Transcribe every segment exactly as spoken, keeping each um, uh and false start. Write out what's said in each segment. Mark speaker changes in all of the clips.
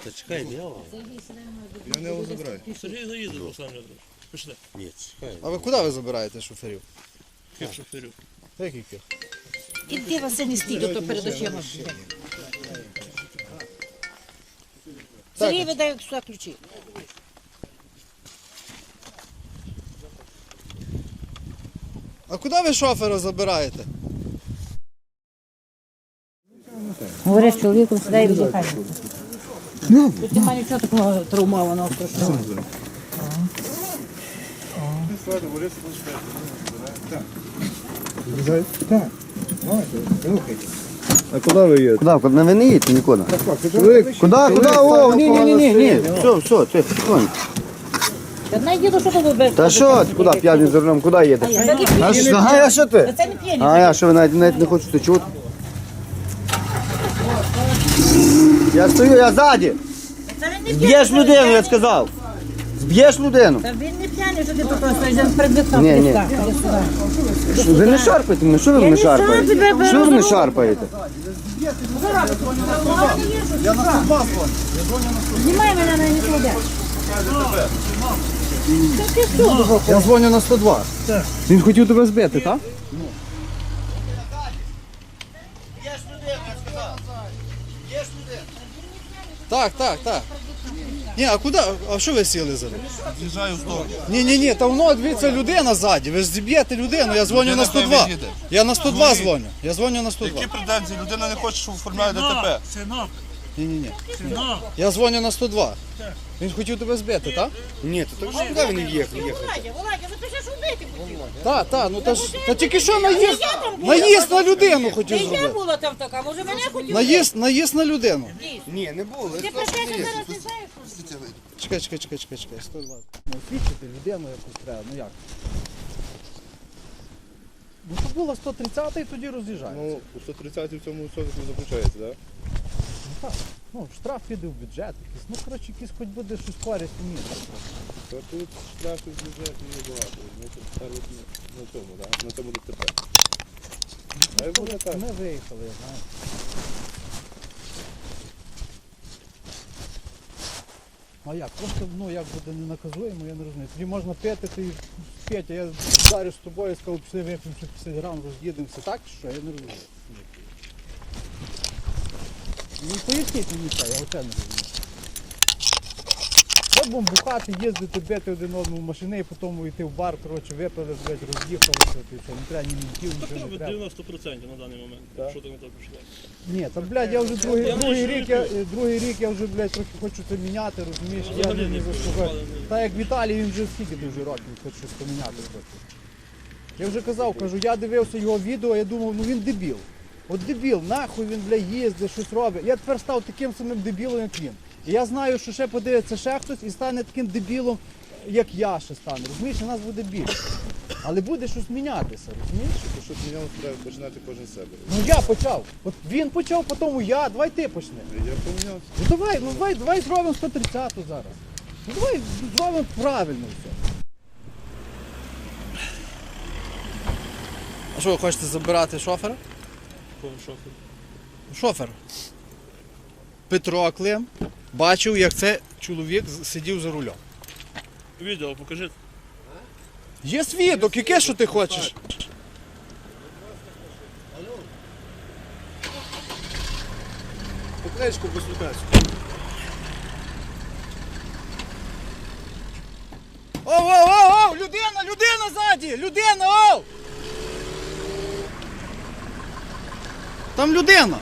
Speaker 1: Та чекай, я вам.
Speaker 2: Я не його забираю.
Speaker 3: Сергій заїде, Руслан Леонідович. Пішли.
Speaker 1: Ні, чекай.
Speaker 2: А ви куди ви забираєте шоферів?
Speaker 3: Ких шоферів.
Speaker 2: Яких ких?
Speaker 4: Іди, Василь, не стій, то перед очима. Сергій видає сюди ключі.
Speaker 2: А куди ви шофера забираєте?
Speaker 4: Говориш з чоловіком, сідай і віддихай. Тут немає нічого такого травмованого страшного.
Speaker 2: А куди ви їдете?
Speaker 5: Куда? Куда? Ви не їдьте нікуди. Куда? Куда? О, ні, ні, ні, ні, ні. Все, все, ти, тихонько.
Speaker 4: Я знаю, діду, що тут без.
Speaker 5: Та що, ти куди п'яний за рулем, куди їдеш?
Speaker 4: Це не
Speaker 5: А
Speaker 4: п'єні.
Speaker 5: що, а я що ти?
Speaker 4: Це не п'єні.
Speaker 5: А я що, ви навіть, навіть не хочете чути? Я стою, я ззаді.
Speaker 4: Це він не п'єний.
Speaker 5: Зб'єш людину, я сказав. Зб'єш людину.
Speaker 4: Та він не п'яний, що ти тут стоїш, він перед вікном
Speaker 5: Ні, ні.
Speaker 4: пристав. Іди сюди.
Speaker 5: Ви не шарпаєте мене, що ви мене шарпаєте?
Speaker 4: тебе
Speaker 5: Що ви мене шарпаєте?
Speaker 4: Знімай мене, не кладе.
Speaker 2: Я дзвоню на сто два.
Speaker 5: Він хотів тебе збити, так?
Speaker 2: Так, так, так. Ні, а куди? А що ви сіли за руль?
Speaker 3: З'їжджаю в сторону.
Speaker 2: Ні, ні, ні, та воно, дивіться, людина ззаді. Ви ж зіб'єте людину, я дзвоню на сто два. Я на сто два дзвоню. Я дзвоню на сто два.
Speaker 3: Які претензії? Людина не хоче, щоб оформляє ДТП.
Speaker 6: Синок,
Speaker 2: Ні, ні, ні.
Speaker 6: синок.
Speaker 2: Я дзвоню на сто два. Він хотів тебе збити, так?
Speaker 5: Ні, то так куди він їхав?
Speaker 4: Володя, Володя, ви пишеш убити хотів.
Speaker 2: Так, так, ну та ж та тільки що наїзд, наїзд на людину хотів
Speaker 4: Ти я
Speaker 2: зробити.
Speaker 4: була там така, може мене хотів.
Speaker 2: Наїзд, наїзд на людину.
Speaker 5: Ні, не було.
Speaker 4: Ти пишеш, зараз не знаєш.
Speaker 2: Чекай, чекай, чекай, чекай, чекай, сто два. Ну, освічити людину якусь треба, ну як? Ну, то було сто тридцять і тоді роз'їжджається.
Speaker 7: Ну, у сто тридцять в цьому сотку заключається, так?
Speaker 2: Ну, так. Ну, штраф піде в бюджет якийсь. Ну, коротше, якийсь хоч буде щось користь ні.
Speaker 7: То тут штрафів в бюджеті є багато. Ми тут ставимо на цьому, так? На цьому ДТП. А й буде так.
Speaker 2: Ми виїхали, я знаю. А як? Просто, ну, як буде не наказуємо, я не розумію. Тоді можна пити, ти п'ять, а я вдарю з тобою і сказав, пішли вип'ємо ще п'ятдесят грам, роз'їдемося. Так чи що? Я не розумію. Ну, поясніть мені це, я оце не розумію. Що будемо бухати, їздити, бити один одному машини і потім йти в бар, коротше, випили, блядь, роз'їхалися, ти що, не треба ні мінтів, нічого не треба.
Speaker 3: дев'яносто відсотків на даний момент, якщо ти не так пішло.
Speaker 2: Ні, та, блядь, я вже другий,
Speaker 3: Я
Speaker 2: другий,
Speaker 3: не
Speaker 2: рік, я, другий рік я вже, блядь, трохи хочу це міняти, розумієш, я не, не заслухаю. Та як Віталій, він вже скільки дуже років хоче щось поміняти хоче. Я вже казав, кажу, я дивився його відео, я думав, ну він дебіл. От дебіл, нахуй він, блядь, їздить, щось робить. Я тепер став таким самим дебілом, як він. І я знаю, що ще подивиться ще хтось і стане таким дебілом, як я ще стане. Розумієш, у нас буде більше. Але буде щось мінятися, розумієш?
Speaker 7: То, щоб мінялося, треба починати кожен з себе.
Speaker 2: Ну я почав. От він почав, потім я, давай ти почни.
Speaker 7: Я помінявся.
Speaker 2: Ну давай, ну давай, давай зробимо сто тридцять зараз. Ну давай зробимо правильно все. А що ви хочете забирати шофера?
Speaker 3: Кого шофер?
Speaker 2: Шофер. Петро Клим бачив, як це чоловік сидів за рулем.
Speaker 3: Відео покажи.
Speaker 2: Є свідок, яке що ти хочеш?
Speaker 7: Покличку послухайся.
Speaker 2: Оу, оу, оу, оу, людина, людина ззаді, людина, оу! Там людина.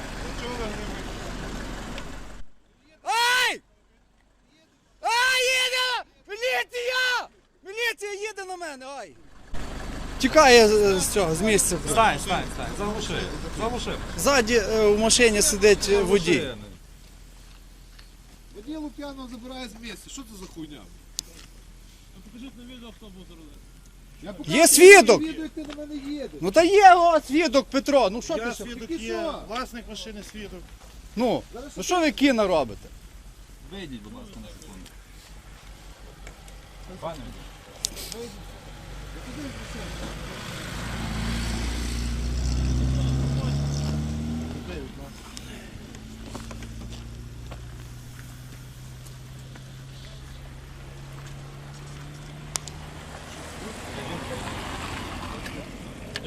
Speaker 2: Ай! Ай, їде! Міліція! Міліція їде на мене, ай! Тікає з, з цього, з місця.
Speaker 6: Стань, стань, стань, заглуши, заглуши.
Speaker 2: Ззаді е, в машині сидить е, водій.
Speaker 7: Водій Лук'янов забирає з місця. Що це за хуйня?
Speaker 3: Покажіть на відео, хто був за рулем.
Speaker 7: Я
Speaker 2: Є свідок!
Speaker 7: відео, як ти на мене їдеш.
Speaker 2: Ну та є о, свідок Петро, ну що ти
Speaker 7: Я
Speaker 2: ще?
Speaker 7: свідок є,
Speaker 3: власник машини свідок.
Speaker 2: Ну, ну що ви кіно робите?
Speaker 6: Вийдіть, будь ласка, на секунду. Пане,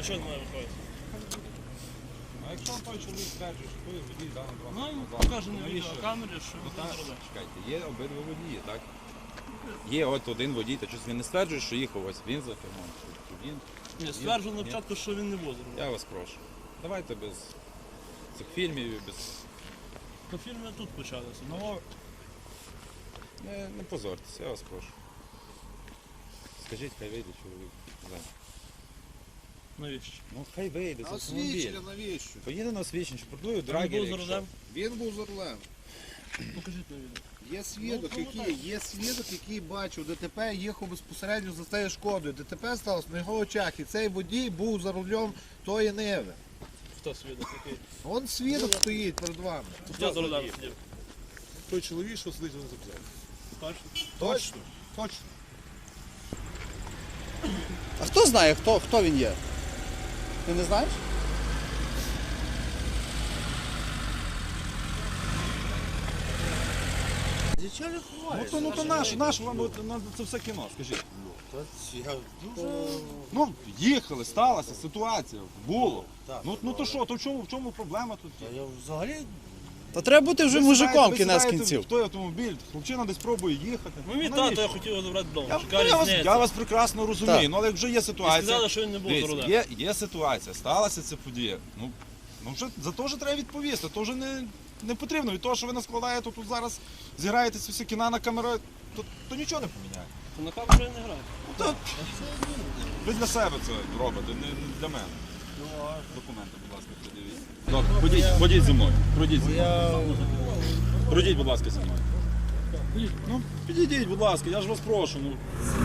Speaker 3: чого не має виходити?
Speaker 6: А якщо той чоловік стверджує, що той водій даний
Speaker 3: Ну,
Speaker 6: транспортний
Speaker 3: він
Speaker 6: засіб,
Speaker 3: покаже на
Speaker 6: то навіщо?
Speaker 3: відеокамері, що
Speaker 6: Ну,
Speaker 3: він
Speaker 6: так,
Speaker 3: зробив.
Speaker 6: чекайте, є обидва водії, так? Є от один водій, та щось він не стверджує, що їхав ось він за кермом, чи чи він.
Speaker 3: Ні, стверджував на початку, що він не був зробив.
Speaker 6: Я вас прошу. Давайте без цих фільмів, і без...
Speaker 3: По фільмі тут почалося.
Speaker 6: Ну, не, не позорьтеся, я вас прошу. Скажіть, хай вийде чоловік. Зай.
Speaker 3: Навіщо?
Speaker 6: Ну, хай вийде з автомобіля.
Speaker 7: Освічення навіщо?
Speaker 6: Поїде на освічення, що продує
Speaker 3: Він
Speaker 6: драгер,
Speaker 3: був за
Speaker 6: якщо.
Speaker 3: рулем.
Speaker 7: Він був за рулем.
Speaker 3: Покажіть на відео.
Speaker 7: Є свідок,
Speaker 3: Ну,
Speaker 7: який, є свідок, який бачив, ДТП їхав безпосередньо за цією шкодою. ДТП сталося на його очах, і цей водій був за рулем тої Ниви.
Speaker 3: Хто свідок який?
Speaker 7: Он свідок стоїть перед вами.
Speaker 3: Хто за рулем сидів?
Speaker 7: Той чоловік, що сидить за запзяв.
Speaker 3: Точно?
Speaker 7: Точно? Точно.
Speaker 2: А хто знає, хто, хто він є? Ти не знаєш?
Speaker 6: Ну то, ну то наш, наш вам от, на це все кіно, скажіть. Ну, їхали, сталася ситуація, було. Ну, ну то що, то в чому, в чому проблема тут?
Speaker 2: Та треба бути вже
Speaker 6: Ви
Speaker 2: мужиком
Speaker 6: сідаєте- ви
Speaker 2: кінець
Speaker 6: сідаєте
Speaker 2: кінців.
Speaker 6: В той автомобіль, хлопчина десь пробує їхати.
Speaker 3: Ну, мій
Speaker 6: навіщо?
Speaker 3: тато, я хотів його забрати вдома.
Speaker 6: Я,
Speaker 3: Яка
Speaker 6: я, вас,
Speaker 3: різниця?
Speaker 6: я вас прекрасно розумію,
Speaker 2: Так.
Speaker 6: ну але як вже є
Speaker 3: І
Speaker 6: ситуація.
Speaker 3: сказали, що він не був за
Speaker 6: Дивіться,
Speaker 3: рулем.
Speaker 6: є, є ситуація, сталася ця подія. Ну, ну вже, за то вже треба відповісти. То вже не, не потрібно. Від того, що ви наскладаєте тут зараз, зіграєте ці всі кіна на камеру, то, то нічого не поміняє.
Speaker 3: То на камеру я не граю.
Speaker 6: То, ви для себе це робите, не, не для мене. Документи, будь ласка, придивіть. Добре, ходіть, ходіть зі мною. Пройдіть зі мною. Пройдіть, будь ласка, зі мною. Ну, підійдіть, будь ласка, я ж вас прошу. Ну.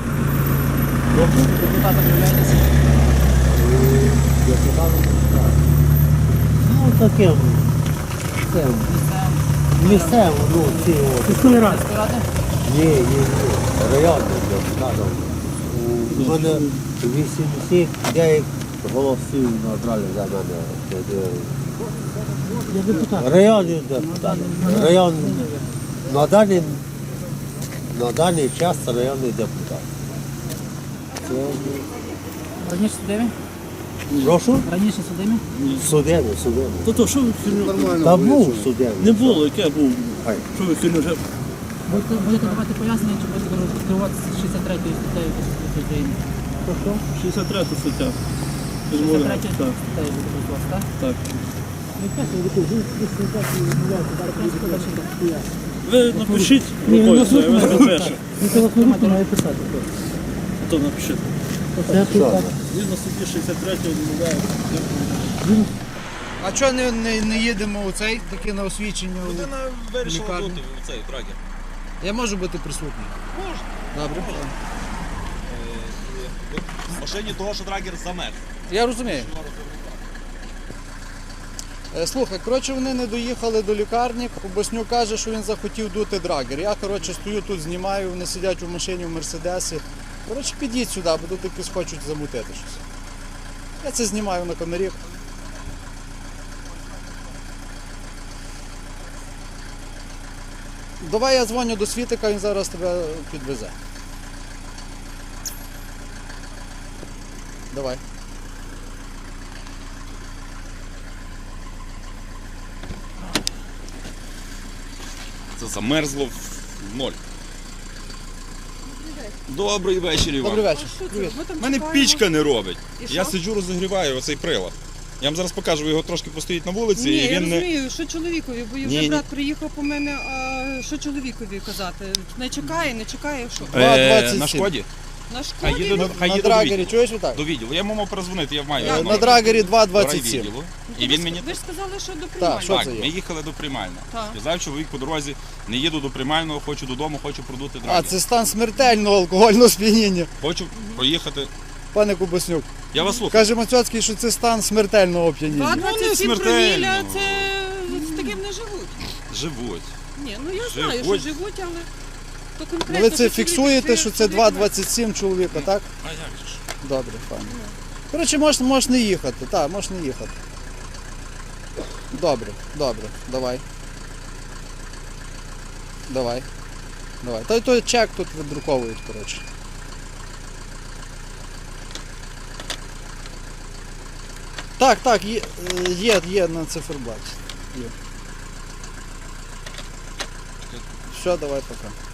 Speaker 1: Ну таке. Це, місцево, ну ці от. Міської ради? Ні, ні, ні. Районний депутат. У мене вісімдесят дев'ять голосів набрали за мене. Це, е,
Speaker 4: Я депутат.
Speaker 1: Районний депутат. Район, на даний, на даний час це районний депутат. Це,
Speaker 4: Раніше судимі?
Speaker 1: прошу?
Speaker 4: Раніше судимі?
Speaker 1: Судебний, судебний.
Speaker 3: То то, що ви фільмі?
Speaker 1: Та був судебний.
Speaker 3: Не було, яке був?
Speaker 1: Хай.
Speaker 3: Що ви фільмі вже?
Speaker 4: Будете, будете давати пояснення, чи будете керуватися шістдесят третьою статтею Конституції України?
Speaker 3: шістдесят третя стаття.
Speaker 4: шістдесят третя статтею буде керуватися, так?
Speaker 3: Так. Ви напишіть рукою, це, я вас підпишу. То напишіть. Згідно статті шістдесят третьої відмовляю.
Speaker 2: А чого не, не, не їдемо у цей таке на освічення? у-
Speaker 6: Людина вирішила
Speaker 2: Лікарня.
Speaker 6: бути в цей драгер.
Speaker 2: Я можу бути присутній?
Speaker 6: Можна.
Speaker 2: Добре.
Speaker 6: В машині того, що драгер замерз.
Speaker 2: Я розумію. Е, Слухай, коротше, вони не доїхали до лікарні. Боснюк каже, що він захотів дути драгер. Я, коротше, стою тут, знімаю, вони сидять у машині в Мерседесі. Коротше, підіть сюди, бо тут якось хочуть замутити щось. Я це знімаю на камері. Давай я дзвоню до Світика, він зараз тебе підвезе. Давай.
Speaker 6: Це замерзло в ноль. Добрий вечір, Іван.
Speaker 2: Добрий вечір. Привіт.
Speaker 6: У мене пічка не робить. Я сиджу, розігріваю оцей прилад. Я вам зараз покажу, ви його трошки постоїть на вулиці,
Speaker 8: Ні,
Speaker 6: і
Speaker 8: я
Speaker 6: він не.
Speaker 8: розумію, що чоловікові, бо
Speaker 6: Ні,
Speaker 8: вже
Speaker 6: ні.
Speaker 8: брат приїхав по мене, а що чоловікові казати? Не чекає, не чекає, що?
Speaker 6: Е,
Speaker 2: двадцять сім.
Speaker 6: на шкоді?
Speaker 8: На
Speaker 6: Хай
Speaker 8: шкоді?
Speaker 6: їде, до- хай
Speaker 2: На
Speaker 6: їде до
Speaker 2: драгері,
Speaker 6: відділу.
Speaker 2: чуєш отак?
Speaker 6: До відділу. Я йому мав перезвонити, я маю.
Speaker 2: Е,
Speaker 6: номер.
Speaker 2: На драгері два
Speaker 6: До
Speaker 2: двадцять сім.
Speaker 6: райвідділу. І він мені.
Speaker 8: Ви ж сказали, що до
Speaker 2: Так,
Speaker 8: приймальні.
Speaker 2: що
Speaker 6: Так,
Speaker 2: це є?
Speaker 6: ми їхали до приймального.
Speaker 8: Так.
Speaker 6: Сказав чоловік по дорозі, не їду до приймального, хочу додому, хочу продути
Speaker 2: А,
Speaker 6: драгер.
Speaker 2: це стан смертельного алкогольного сп'яніння.
Speaker 6: Хочу проїхати.
Speaker 2: Пане Кубаснюк,
Speaker 6: Я вас слухаю.
Speaker 2: каже Мацьоцький, що це стан смертельного оп'яніння.
Speaker 8: два двадцять сім
Speaker 6: Ну, не смертельно.
Speaker 8: проміля, це з таким не живуть.
Speaker 6: Живуть.
Speaker 8: Ні, ну я знаю,
Speaker 6: Живуть.
Speaker 8: що живуть, але то
Speaker 2: Ну,
Speaker 8: конкретно.
Speaker 2: ви це
Speaker 8: чоловік,
Speaker 2: фіксуєте, що це
Speaker 8: чоловік
Speaker 2: два
Speaker 8: має.
Speaker 2: двадцять сім чоловіка, так?
Speaker 6: А як же ж?
Speaker 2: Добре, пане. Коротше, можеш, можеш не їхати, так, можеш не їхати. Добре, добре, давай. Давай. Давай. Той той чек тут видруковують, коротше. Так, так, є, е, є, є на циферблаті. Є. Все, давай пока.